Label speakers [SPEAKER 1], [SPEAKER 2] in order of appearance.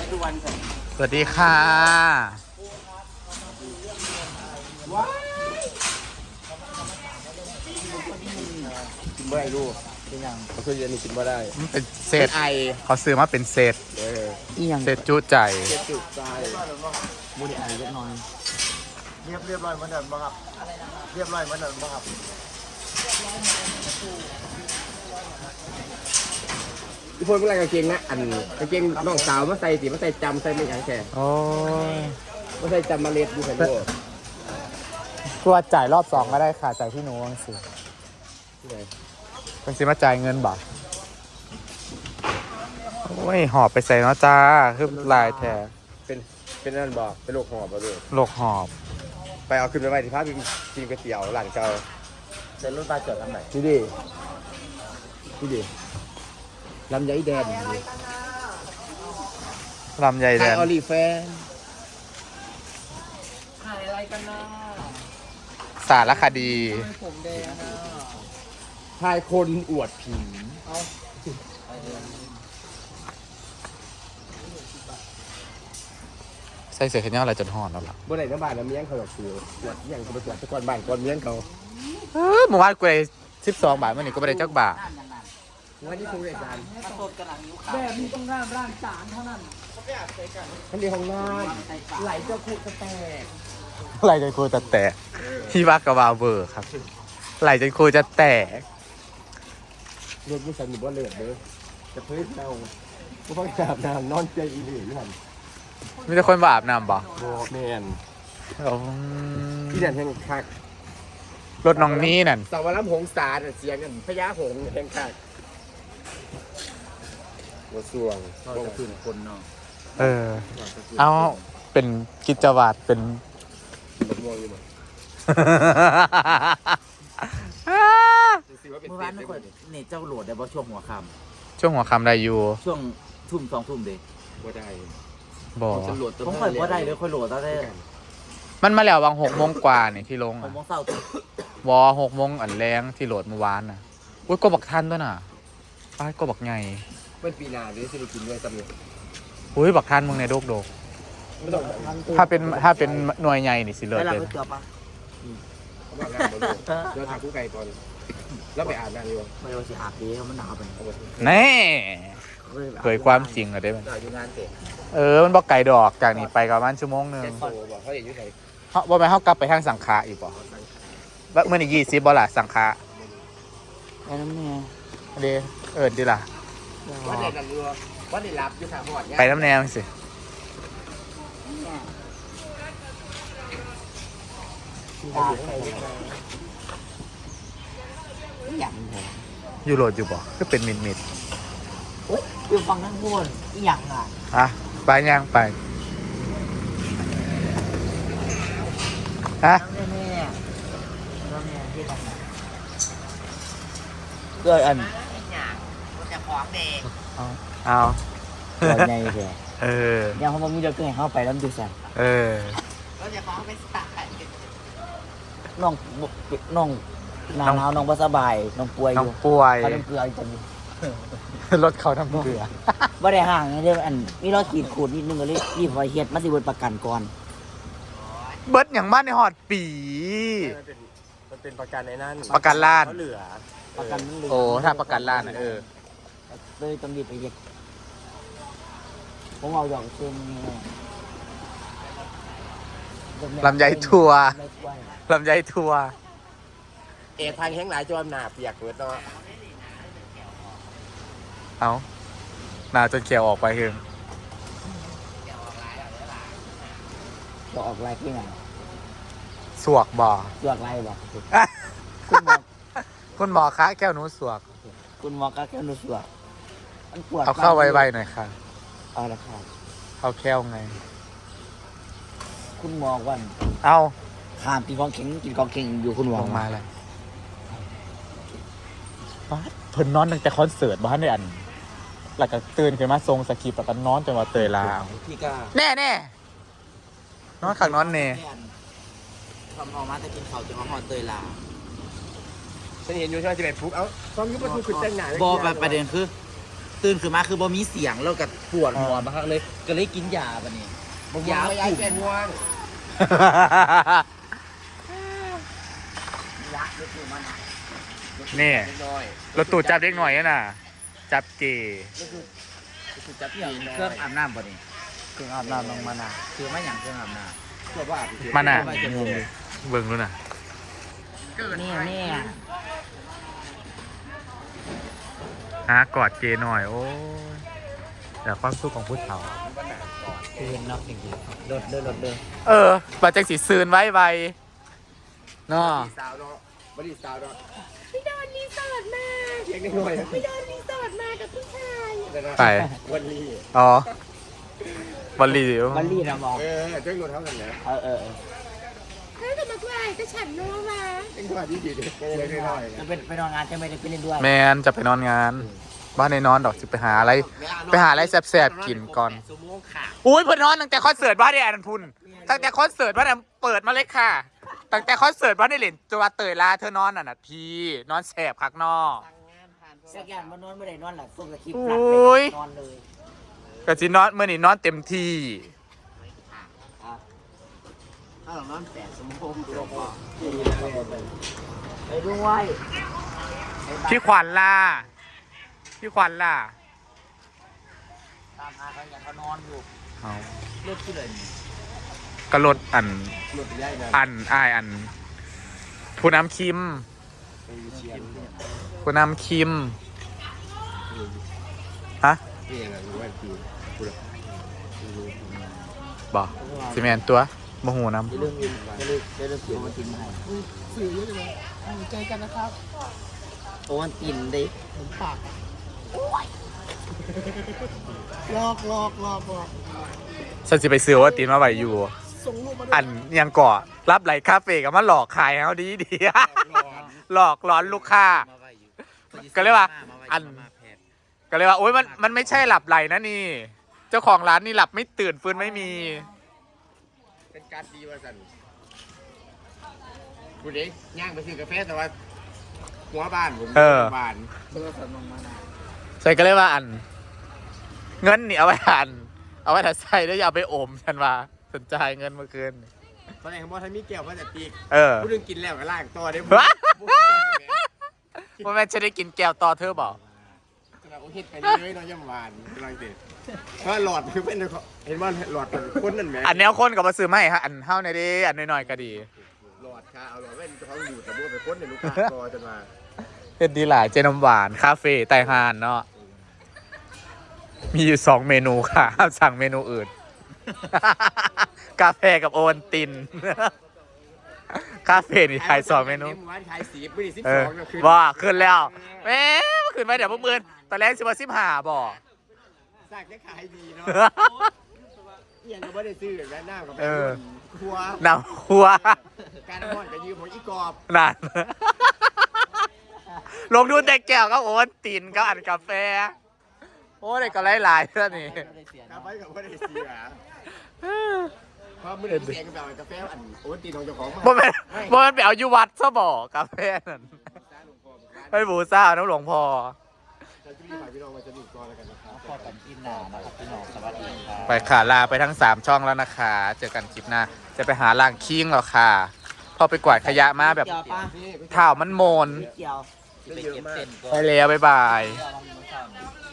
[SPEAKER 1] สวัสดีค่ะ
[SPEAKER 2] กินบ่ได้ลูกเป็นยังเขาเคยเรียนนี่กินบ่ได้
[SPEAKER 1] มันเป็นเศษ
[SPEAKER 2] ไอ
[SPEAKER 1] เขาซื้อมาเป็นเศษ
[SPEAKER 2] อีหยัง
[SPEAKER 1] เศษจุใจ
[SPEAKER 2] เจ็บจุกใจมูนี่ไอเล็กน้อยเรียบร้อยเหมือนเดิมป่ะครับเรียบร้อยเหมือนเดิมป่ะครับพี่พลเมื่อไรกางเกงนะอันกางเกงน้องสาวมาใส่สิมาใส่จำใส่ไม่ยังแค่
[SPEAKER 1] โอ้ย
[SPEAKER 2] มาใส่จำมาเล็ดดูใส่โลก
[SPEAKER 1] กลัวจ่ายรอบสองก็ได้ค่ะจ่ายที่หนูวังสิเป็นสิมาจ่ายเงินบ่โอ้ยหอบไปใส่เนาะจ้าคือลายแท้
[SPEAKER 2] เป็นนั่นบอกเป็นโรคหอบบ่ด้วย
[SPEAKER 1] โรคหอบ
[SPEAKER 2] ไปเอาขึ้นไปไว้ที่พักกินก๋วยเตี๋ยวหลังเจ้าเซ็นรถตาจอดทำไหนนี่ดิลำไยแดง
[SPEAKER 1] ลำใหญ่แดง
[SPEAKER 2] ออลิแฟน
[SPEAKER 3] ถ่ายอะไรกันนะ
[SPEAKER 1] สารคดี
[SPEAKER 3] ผมแดงนะ
[SPEAKER 2] ทายคนอวดผี
[SPEAKER 1] ใส่เสื้อแขนยาวอะไรจนห่อนแล้วล่ะ
[SPEAKER 2] บ่ได้น้ำบานน้ำเมียงเขาแบบคืออวดอย่างเขาไปตรวจก่อนบ้านก่อนเมียงเขา
[SPEAKER 1] เมื่อวานกูได้12 บาทเมื่อนี้ก็ไม่ได้จักบาท
[SPEAKER 2] วันนี้คงได้จาน
[SPEAKER 3] แบบนี้ต้องร่างจานเท่านั้น
[SPEAKER 2] ท่านดีของน้ำไหลเจ้าคู่กระแตก
[SPEAKER 1] ไหลจนครูจะแตกที่ว่ากะวาเวอร์ครับไหลจนครูจะแตก
[SPEAKER 2] รถมุสันอยู่บ่เลือดเด้อจะเพิ่มเอาผู้พักอาบน้ำนอนใจอีเหลี่ยมนั่น
[SPEAKER 1] มีแต่คนมาอาบน้ำบ่
[SPEAKER 2] โบแมนที่นั่นแห่งคัก
[SPEAKER 1] รถน้องนี้นั่น
[SPEAKER 2] สาวรำหงสารเสียงกันพญาหงแห่งคักวัวสวงวงคืนคนเนาะ
[SPEAKER 1] เอาเป็นกิจวัตรเป็น
[SPEAKER 2] ม่วงอยู่มั้ง
[SPEAKER 3] เมื่อวานไม่ค่อยเน็ตเจ้าโหลดได้บ่ช่วงหัวค่
[SPEAKER 1] ช่วงหัวค่ำได้อยู่
[SPEAKER 3] ช่วงทุ่ม2 ทุ่มเด้
[SPEAKER 2] บ่ได้
[SPEAKER 1] บ่
[SPEAKER 3] ผมค่อยบ่ได้เลยค่อยโหลดได้
[SPEAKER 1] มันมาแล้ววาง6 โมงกว่านี่ที่ลง
[SPEAKER 3] 6 โมงเช้าถึง
[SPEAKER 1] วอ6 โมงอันแรงที่โหลดเมื่อวานน่ะอุ้ยก็บักทันด้วยน่ะป้ายก็บักไง
[SPEAKER 2] เป็นปีนาหรือสิริกินด้วยจำเนี่ย
[SPEAKER 1] อุ้ยบักทันมึงในโดกถ้าเป็นหน่วยใหญ่นี่สิเลิศเลย
[SPEAKER 2] เดี๋ยวถามกู้ไก่ก่อนแล้วไปอาบน้ำดีกว่า
[SPEAKER 3] ไม่ว่าสิอาบดีมันหนาวไป
[SPEAKER 1] แน่เผยความจริงอะได้ไหมมันบอกไก่ดอกจากนี้ไปประมาณชั่วโมงนึง
[SPEAKER 2] เขาอย่างยุ่งไหน
[SPEAKER 1] บ่แม่นเขากลับไปทางสังขะอีกบ่เมื่อนี้20บ่ล่ะสังขะ
[SPEAKER 3] ไอ้น้ำแน่
[SPEAKER 1] เด้ดีล่ะ
[SPEAKER 2] วัดเด็ดหลับรัววัดเด็ดหลับอยู่ทางหอด
[SPEAKER 1] ไปน้ำแนวสิอยู่โหลดอยู่บ่ก็เป็นมิด
[SPEAKER 3] อยู่ฝั่งนั้นพูดอีหยัง
[SPEAKER 1] อ่ะไปยังไปฮะ
[SPEAKER 3] ก็อันจะของเด็ก
[SPEAKER 1] เอา
[SPEAKER 3] ตัวใหญ่แค่ยังเขาบอกมีเด็กเกิดเข้าไปแล้วดูสิก็จะของเป็นสตาร์น้องหนาวน้องบ่สบายน้องป่วยอยู่เขาน้ำเกลือจัง
[SPEAKER 1] รถเขาน้ำเกลือ
[SPEAKER 3] บ่ได้ห่างเรื่องอันมีรถขีดขูดนิดนึงก็เลยรีบไว้เฮ็ดมาสิเบิดประกันก่อน
[SPEAKER 1] เบิดอย่างบ้านในหอดปี
[SPEAKER 2] มันเป็นประกันในนั้น
[SPEAKER 1] ประกันล้าน
[SPEAKER 2] เหลือ
[SPEAKER 3] ประกันมันเหลือ
[SPEAKER 1] โอ้ถ้าประกันล้าน
[SPEAKER 3] เลยต้องรีบไปเฮ็ดผมเอาอย่างเช่น
[SPEAKER 1] ลำไยทัวลำไยทัว
[SPEAKER 2] ทางแห้งหลายจอมหนาเปียกเบิดเนาะ
[SPEAKER 1] เอาหนาจนเขียวออกไปเฮง
[SPEAKER 3] จะออกลายที่ไหน
[SPEAKER 1] สวกบ่
[SPEAKER 3] สวกลายบ่
[SPEAKER 1] คุณหมอคะแก้วหนูสวก
[SPEAKER 3] คุณหมอคะแก้วหนูสวก
[SPEAKER 1] เอาเข้าไวๆหน่อยค่ะ
[SPEAKER 3] เอาละค่ะ
[SPEAKER 1] เอาแก้วไง
[SPEAKER 3] คุณหมอวัน
[SPEAKER 1] เอา
[SPEAKER 3] ข้ามกินของเข่งอยู่คุณหมอ
[SPEAKER 1] มาเลยเพิ่นนอนตั้งแต่คอนเสิร์ตบ้านในอันหลังจากตื่นขึ้นมาทรงสกีปกันนอนจนว่าเตยลา
[SPEAKER 3] พี่กา
[SPEAKER 1] แน่นอนขังนอนเน่
[SPEAKER 3] ทำออกมาจะกินข้าวจนหอดเตยลา
[SPEAKER 2] ฉันเห็นอยู่ใช่ไหมจะเป็นฟุกเอาความยุบมันคือแจ้งหนา
[SPEAKER 3] บอประเด็นคือตื่นขึ้นมาคือบ่มีเสียงแล้วก็ปวดหัวมากเลยก็เลยกินยาบัดนี้ยาผูก
[SPEAKER 2] แก้ง่วง
[SPEAKER 1] นี่รถตู้จับเด็กหน่อยน่ะจับเก
[SPEAKER 3] คือจับเครื่องอาบน้ำบ่นี่เครื่องอาบน้ำลงมาน่ะคือไม่อย่างเครื่องอาบน้ำ
[SPEAKER 2] เพื่อว่า
[SPEAKER 1] มันน่ะเบิ่งรู้น่ะ
[SPEAKER 3] นี่
[SPEAKER 1] หากอดเกหน่อยโอ้ยแต่ความสุขของผู้เฒ่า
[SPEAKER 3] คือน็อกจริงๆรถเด้อ
[SPEAKER 1] บาดจักสิซืนไว้ไวเนาะ
[SPEAKER 2] สาวเนาะบริสาวเนาะ
[SPEAKER 4] ไปโดนรีสอร์ทมา
[SPEAKER 2] เก่งหน่อย
[SPEAKER 4] ไปโดนรีสอร์ทมากับผู้ชาย
[SPEAKER 1] ไป
[SPEAKER 2] วันนี้
[SPEAKER 1] อ๋อบัลลี
[SPEAKER 3] มันรีดนะบอก
[SPEAKER 2] เจ้าหนุ่มเท่ากันเนี่ย
[SPEAKER 4] เฮ้ยแต่มาไกลก็ฉันโน้มา
[SPEAKER 2] เจ้าหนุ่มดีดีเล็กน้อย
[SPEAKER 3] จะเป็นไปนอนงานจะไม่ได้ไปเล่นด้วย
[SPEAKER 1] แมนจะไปนอนงาน บ้านในนอนดอกจะไปหาอะไรแซ่บๆกินก่อน
[SPEAKER 3] สมองขาด
[SPEAKER 1] อุ้ยเพิ่นนอนตั้งแต่คอนเสิร์ตบ้านในอันพุนตั้งแต่คอนเสิร์ตบ้านนั้นเปิดมาเลยค่ะตั้งแต่คอนเสิร์ตบ้านในเหรียญจังหวัดเตยลาเธอนอนน่ะพี่นอนแสบคักนอก
[SPEAKER 3] สักอย่างมันนอนไม่ได้นอนหลับส่งสคริปต์
[SPEAKER 1] อุ้ย
[SPEAKER 3] นอนเลย
[SPEAKER 1] ก็สินอนเมื่อนี่นอนเต็มที่
[SPEAKER 3] ถ้าเรานอน8 ชั่วโมงตัวพอไปด้วย
[SPEAKER 1] พี่ขวัญล่ะพี่ขวัญล่ะ
[SPEAKER 3] ตามหาเขาอย่างเขานอนอยู่
[SPEAKER 1] เอา
[SPEAKER 3] เลือดที่เลย
[SPEAKER 1] กระลดอัน
[SPEAKER 2] หลุดได้นะ
[SPEAKER 1] อ้ายอันผู้น้ำคิมผู้น้ำคิมฮะ
[SPEAKER 2] นี่ยังไงรู้ว่าคือพูด
[SPEAKER 1] บอกสิแมนตัวโมโหน้ำ
[SPEAKER 3] เรื่องผิวมันตินมาให้
[SPEAKER 4] สื่อเยอะเลยใจกันนะครับ
[SPEAKER 3] โอ้มันตินดิ
[SPEAKER 4] ปากลอก
[SPEAKER 1] ฉันสิไปซื้อว่าตีนมาไหวอยู่
[SPEAKER 4] ส่งรูปมา
[SPEAKER 1] อันยังก่อรับไหลคาเฟ่กับมาหลอกขายเขาดี หลอกหลอนลูกค้า ก็เรียกว่าอัน ก็เลยว่าโอ๊ยมันไม่ใช่หลับไหลนะนี่ เจ้าของร้านนี่หลับไม่ตื่นฟื้นไม่มี
[SPEAKER 2] เป็นการดีว่าสันคุณเองย่างไปซื้อกาแฟแต่ว่าหัวบ้านผมบ้าน
[SPEAKER 1] ใช่ก็เลยว่าอัน เงินนี่เอาไว้อัน เอาไว้ถัดใส่แล้วอย่าเอาไปอมฉันว่าสนใจเงินเมื่อคืน
[SPEAKER 2] ตอนแรกเขาบอกถ้ามีแก้วมาจะตีก
[SPEAKER 1] เออ
[SPEAKER 2] พูดเรื่องกินแล้วก็ล่างต่อได้
[SPEAKER 1] ว่าแม่จะได้กินแก้วต่อเธอบอก
[SPEAKER 2] เราคิดไปเรื่อยๆน้อยย่ำหวานกำลังเด็ดเพราะหลอดคือเป็นเห็นว่าหลอดเป็นคนนั่นแหม
[SPEAKER 1] อันแนวคนกับมาซื้อไม่ฮะอันเท่าในดีอันน้อยๆก็ดี
[SPEAKER 2] หลอดค่ะเอาหลอดเป็นเขาอยู่แต่ว่าเป็นคนในลูกค้ารอจนมา
[SPEAKER 1] เป็นดีหลายเจนมหวานคาเฟ่ไต้ฮานเนาะมีอยู่2 เมนูค่ะห้ามสั่งเมนูอื่น กาแฟกับโอวัลติน คาเฟ่นี่ขาย2 เมนู
[SPEAKER 2] วันขาย10ไม่ได้
[SPEAKER 1] เออ
[SPEAKER 2] 12ก็คือ
[SPEAKER 1] ว่าขึ้นแล้วแม่ขึ้นไปเดี๋ยวพวกมือตอนแรก15บอก
[SPEAKER 2] สร้างได้ขายดีเนาะยังก็ไม่ได้ซื้อแม่น้ำกับแม่ครัว
[SPEAKER 1] น้ำครัว
[SPEAKER 2] การน้ำมันก็ยืมของอีกอบ
[SPEAKER 1] นั่น ลงทุนแต่แก้วก็โอวัลตินก็อันกาแฟ โอ้ได้ก็หลายๆเท่านี้
[SPEAKER 2] กาแฟกับไม่ได้เสียเพราะไม่ได้เสียกับกาแฟอันโอ้ตีนของเจ้าของ
[SPEAKER 1] บ่แม่นไปเอาอยู่วัดซะบ่กาแฟนั่นไปบูซ่าน้ำหลวงพ่อ
[SPEAKER 2] จะรีบไปพี่น้องมาจะรีบก่อนแล้วกันนะครับ
[SPEAKER 3] พอกันกินหนานะครับพี่น้องสวัสดีครับ
[SPEAKER 1] ไปค่ะลาไปทั้ง3 ช่องแล้วนะคะ เจอกันคลิปหน้า จะไปหาล่างคิงแล้วค่ะพอไปกวาดขยะมาแบบ
[SPEAKER 3] เกี่ยวปะ
[SPEAKER 1] เท้ามันโมน
[SPEAKER 3] เกี่ยวไปเก็บเส้นก่อน
[SPEAKER 1] ไปแล้วบ๊ายบาย
[SPEAKER 3] เกี่ยวมันไม่ทราบ